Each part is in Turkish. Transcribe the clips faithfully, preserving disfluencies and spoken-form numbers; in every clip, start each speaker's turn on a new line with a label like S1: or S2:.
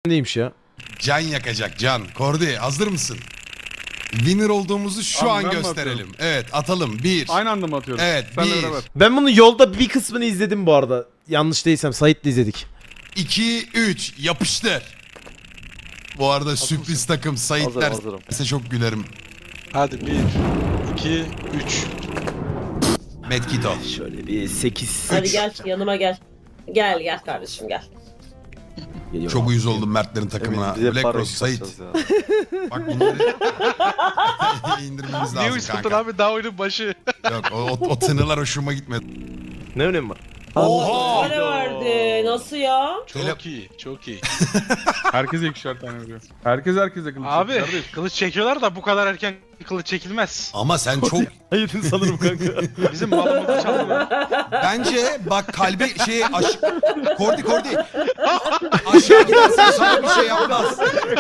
S1: Neymiş ya?
S2: Can yakacak can. Kordi hazır mısın? Winner olduğumuzu şu
S3: Abi
S2: an
S3: ben mi
S2: gösterelim.
S3: atıyorum?
S2: Evet atalım. Bir.
S3: Aynı anda mı atıyoruz?
S2: Evet,
S3: Senle
S2: bir.
S3: beraber.
S1: Ben bunu yolda bir kısmını izledim bu arada. Yanlış değilsem Sait'le izledik.
S2: iki, üç. Yapıştır. Bu arada sürpriz takım Sait
S4: Hazırım,
S2: derse
S4: hazırım.
S2: çok gülerim.
S5: Hadi bir, iki, üç.
S2: Medkit al.
S1: Şöyle bir sekiz.
S6: Hadi gel yanıma gel. Gel gel kardeşim gel.
S2: Çok uyuz oldum Mertlerin takımına.
S4: Emin, bize
S2: Black
S4: para
S2: Rose, Sait.
S4: çıkartacağız ya.
S2: Bak bunları indirmemiz
S5: Niye
S2: lazım
S5: uyuştun
S2: kanka.
S5: abi daha oyunun başı?
S2: Yok o, o, o tınılar hoşuma gitmedi.
S1: Ne önemi var?
S2: Oha!
S6: Ne verdi? Nasıl ya?
S5: Çok
S2: Tele-
S5: iyi, çok iyi.
S3: Herkese ikişer tane veriyor. Herkes herkese kılıç
S5: Abi
S3: çekiyor kardeş.
S5: kılıç çekiyorlar da bu kadar erken kılıç çekilmez.
S2: Ama sen çok
S1: Hayır sanırım kanka.
S5: Bizim malımızı çaldılar.
S2: bence bak kalbi şey aş... Kordi Kordi. Aşağı gidersen sana bir şey yapmaz.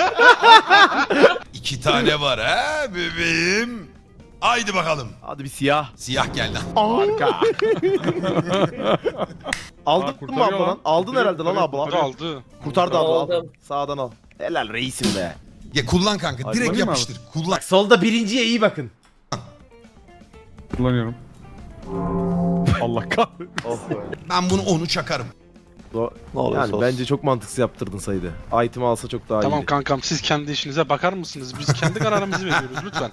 S2: İki tane var ha bebeğim. Haydi bakalım.
S1: Hadi bir siyah.
S2: Siyah geldi.
S1: Harika. Aldık mı
S3: kurtarıyor
S1: abla lan?
S3: lan.
S1: Aldın
S3: Kurtarıyor,
S1: herhalde lan
S3: kurtarıyor,
S1: abla.
S5: Aldı.
S1: Kurtardı abla al.
S6: Aldım.
S1: Sağdan al. Helal reisim be.
S2: Ya kullan kanka.
S4: Ay,
S2: Direkt
S3: kullanayım mı
S2: yapıştır. Kullan.
S1: Bak solda birinciye iyi bakın.
S3: Kullanıyorum. Allah kahretsin.
S4: Oh be.
S2: Ben bunu onu çakarım.
S1: Do-
S4: Ne olursa
S1: Yani
S4: olsun.
S1: bence çok mantıksız yaptırdın saydı. Item alsa çok daha
S5: Tamam
S1: iyiydi.
S5: kankam siz kendi işinize bakar mısınız? Biz kendi kararımızı veriyoruz lütfen.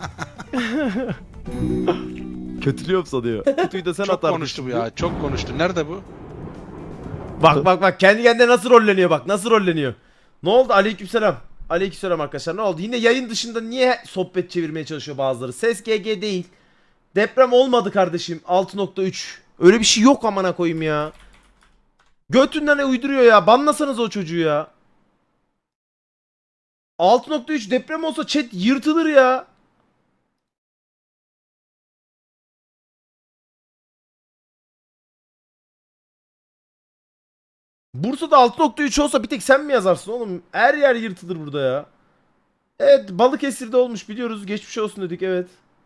S1: Kötülüyorum sanıyor. Kutuyu da sen
S5: Çok
S1: atardın.
S5: konuştu bu ya, çok konuştu. Nerede bu?
S1: Bak bak bak kendi kendine nasıl rolleniyor bak nasıl rolleniyor. Ne oldu? Aleykümselam. Aleykümselam arkadaşlar. Ne oldu? Yine yayın dışında niye sohbet çevirmeye çalışıyor bazıları? Ses G G değil. Deprem olmadı kardeşim. altı nokta üç. Öyle bir şey yok amına koyayım ya. Götünden ne uyduruyor ya? Banlasanız o çocuğu ya. altı nokta üç deprem olsa chat yırtılır ya. Bursa'da altı nokta üç olsa bir tek sen mi yazarsın oğlum? Her yer yırtılır burada ya. Evet Balıkesir'de olmuş biliyoruz. Geçmiş olsun dedik evet.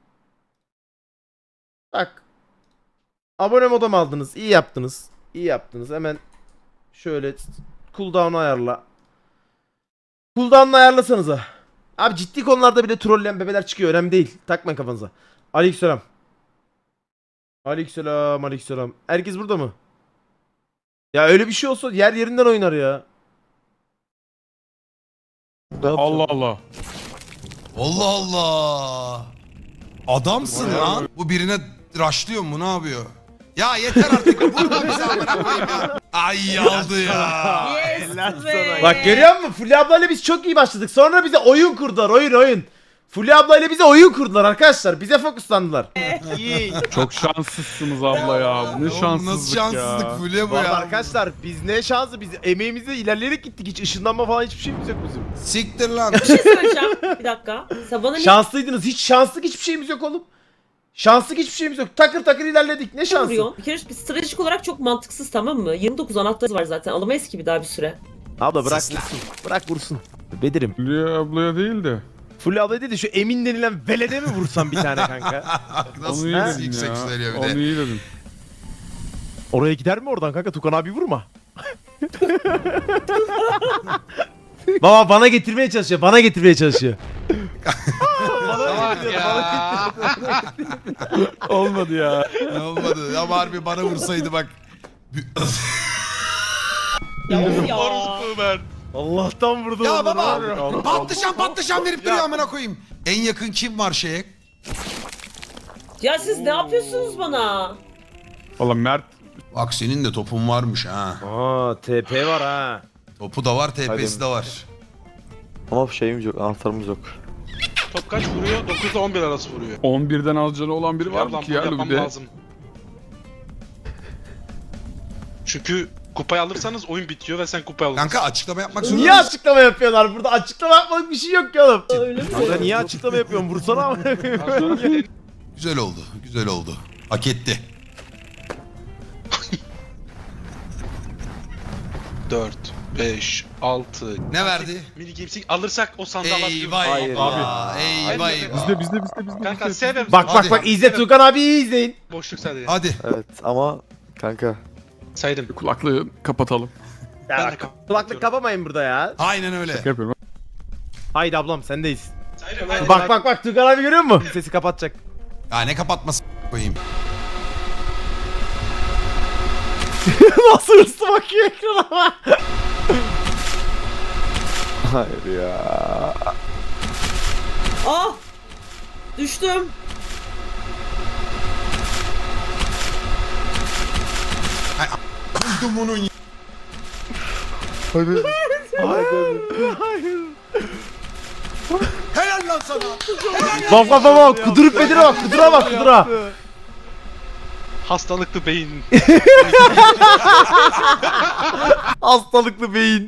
S1: Bak. Abone modem aldınız. İyi yaptınız. İyi yaptınız. Hemen şöyle cooldown'u ayarla. Cooldown'u ayarlasanıza. Abi ciddi konularda bile trolleyen bebeler çıkıyor. Önemli değil. Takmayın kafanıza. Aleykümselam. Aleykümselam. Aleykümselam. Herkes burada mı? Ya öyle bir şey olsa yer yerinden oynar ya.
S4: Ne yapacağım?
S3: Allah Allah.
S2: Allah Allah. Adamsın lan. Bu birine raşlıyor mu ne yapıyor? Ya yeter artık. Vurma bizi amına koyayım ya. Ay aldı ya.
S6: Yes be.
S1: Bak görüyor musun? Fulya ablayla biz çok iyi başladık. Sonra bize oyun kurdular. Oyun oyun. Fulya ablayla bize oyun kurdular arkadaşlar. Bize fokuslandılar. İyi.
S3: Çok şanssızsınız abla ya. Ne
S2: Oğlum
S3: şanssızlık
S2: nasıl şanssızlık
S3: ya.
S2: Fulya bu
S1: Bu arada
S2: ya.
S1: arkadaşlar biz ne şansı biz emeğimizle ilerleyerek gittik. Hiç ışınlanma falan hiçbir şeyimiz yok bizim.
S2: Siktir lan.
S6: Bir şey söyleyeceğim. Bir dakika. Sen bana ne
S1: Şanslıydınız. Hiç şanslık hiçbir şeyimiz yok oğlum. Şanslık hiçbir şeyimiz yok. Takır takır ilerledik. Ne şansı?
S6: vuruyorsun? Bir kere bir stratejik olarak çok mantıksız tamam mı? yirmi dokuz anahtarımız var zaten. Alamayız ki bir daha bir süre.
S1: Abla bırak
S2: Sesler.
S1: vursun. Bırak vursun. Bedirim.
S3: Fulya ablaya değil de.
S1: Fulya abla dedi şu Emin denilen velede mi vursam bir tane kanka?
S2: Nasıl,
S3: Onu iyi
S2: nasıl
S3: dedin
S2: yüksek
S3: ya.
S2: söylüyor bir
S3: Onu
S2: de.
S3: iyi dedin.
S1: Oraya gider mi oradan kanka? Tukan abi vurma. Baba bana getirmeye çalışıyor. Bana getirmeye çalışıyor.
S5: Salak ya.
S3: Olmadı ya.
S2: Ne olmadı ama harbi bana vursaydı bak.
S6: Ya of ya.
S5: Orospu ben.
S1: Allah'tan vurdu.
S2: Ya
S1: onları
S2: baba
S1: var ya.
S2: patlıcan patlıcan verip duruyor amına koyayım. En yakın kim var şeye?
S6: Ya siz ne yapıyorsunuz bana?
S3: Valla Mert.
S2: Bak senin de topun varmış ha.
S1: Aa T P var ha.
S2: Topu da var, T P'si de var.
S4: Ama şeyimiz yok, anahtarımız yok.
S5: Top kaç vuruyor? dokuz ile on bir arası vuruyor.
S3: on birden az canı olan biri var
S5: Var
S3: mı
S5: lan
S3: ki
S5: bunu
S3: ya
S5: yapmam
S3: bir de?
S5: lazım. Çünkü kupayı alırsanız oyun bitiyor ve sen kupayı alıyorsun.
S2: Kanka açıklama yapmak zorunda
S1: Niye
S2: mısın?
S1: açıklama yapıyorlar? Burada açıklama yapmalık bir şey yok ki oğlum.
S6: Öyle mi?
S1: Burada niye açıklama yapıyorsun? Vursana ama.
S5: Daha sonra bir-
S2: Güzel oldu, güzel oldu. Hak etti.
S5: dört, beş, altı.
S2: Ne verdi?
S5: Mini Games'i alırsak o sandığı alabiliyoruz.
S2: Eyvah
S4: Hayır
S2: eyvah. Eyvah
S5: Hayır.
S2: eyvah.
S3: Bizde bizde bizde bizde.
S5: Kanka
S3: bizde.
S5: sevmem.
S1: Bak bak
S2: Hadi.
S1: bak izle Tukan abi iyi izleyin.
S5: Boşluk sadece.
S2: Hadi.
S4: Evet ama kanka
S5: Saydım.
S3: Kulaklığı kapatalım.
S1: Ya
S5: Ben de
S1: bak,
S5: kapatıyorum.
S1: kulaklık kapamayın burada ya.
S2: Aynen öyle.
S3: Şaka yapıyorum.
S1: Haydi ablam sendeyiz.
S5: Hayır, hayır,
S1: Bak bak bak Tugan abi görüyor musun? Sesi kapatacak.
S2: Ya ne kapatması koyayım.
S1: Nasıl hırslı bakıyor ekrana.
S4: Hayır ya.
S6: Ah! Düştüm.
S2: Buldum onun.
S4: Hadi.
S2: Helal lan sana.
S1: Bak bak bak bak kudurup bedire bak kudura bak kudura.
S5: Hastalıklı beyin.
S1: Hastalıklı beyin.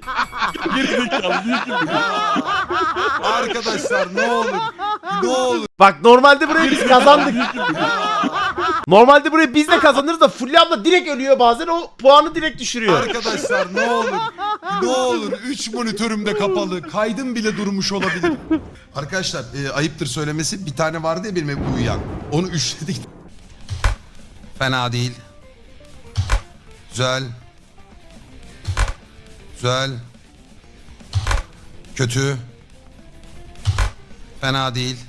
S2: Arkadaşlar ne olur. Ne olur.
S1: Bak normalde burayı biz kazandık. Normalde burayı biz de kazanırız da Fulya abla direkt ölüyor bazen o puanı direkt düşürüyor.
S2: Arkadaşlar ne olur. Ne olur. üç monitörüm de kapalı. Kaydım bile durmuş olabilir. Arkadaşlar e, ayıptır söylemesi bir tane vardı ya benim hep uyuyan. Onu üçledik. Fena değil. Güzel. Güzel. Kötü. Fena değil.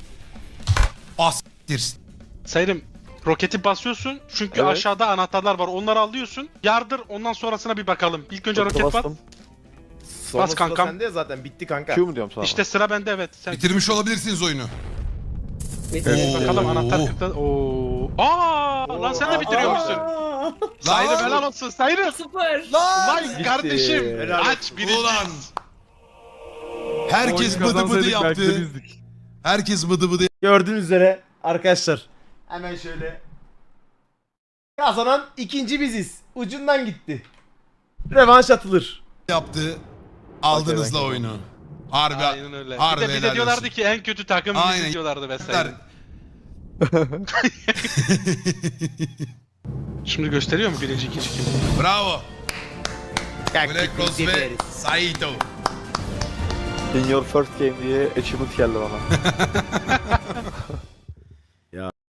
S2: Astir.
S5: Sayırım roketi basıyorsun çünkü
S4: Evet.
S5: aşağıda anahtarlar var onları alıyorsun. Yardır ondan sonrasına bir bakalım. İlk önce roket bas.
S4: Bastım.
S1: Sonrası da
S5: kankam.
S1: sende ya zaten bitti kanka.
S4: Q mu diyorum sana?
S5: İşte sıra bende evet. Sen
S2: Bitirmiş olabilirsiniz oyunu.
S6: Bitti.
S2: Oo.
S5: bakalım anahtar kırkta. Oo. Aa lan sen de bitiriyormuşsun.
S6: Aa!
S5: Sayırım helal olsun Sayırım.
S6: Sıfır.
S5: Vay kardeşim.
S1: Helal
S5: Aç birinci.
S2: Ulan. Herkes
S3: Oyunu
S2: bıdı bıdı
S3: kazansaydık belki de
S2: yaptı.
S3: bizdik.
S2: Herkes bıdı bıdı
S1: Gördüğünüz üzere arkadaşlar. Hemen şöyle. Kazanan ikinci biziz. Ucundan gitti. Revanş atılır.
S2: yaptı. Aldınız
S4: Okey,
S2: la
S4: okey.
S2: oyunu. Harbi.
S5: Aynen öyle.
S2: Harbi
S5: bir de, bir
S2: helal
S5: de diyorlardı
S2: olsun.
S5: ki en kötü takım
S2: Aynen.
S5: biziz diyorlardı vesaire. Şimdi gösteriyor mu birinci ikinci kim?
S2: Bravo. Black Rose ve Saito.
S4: In your first game diye achievement geldi bana.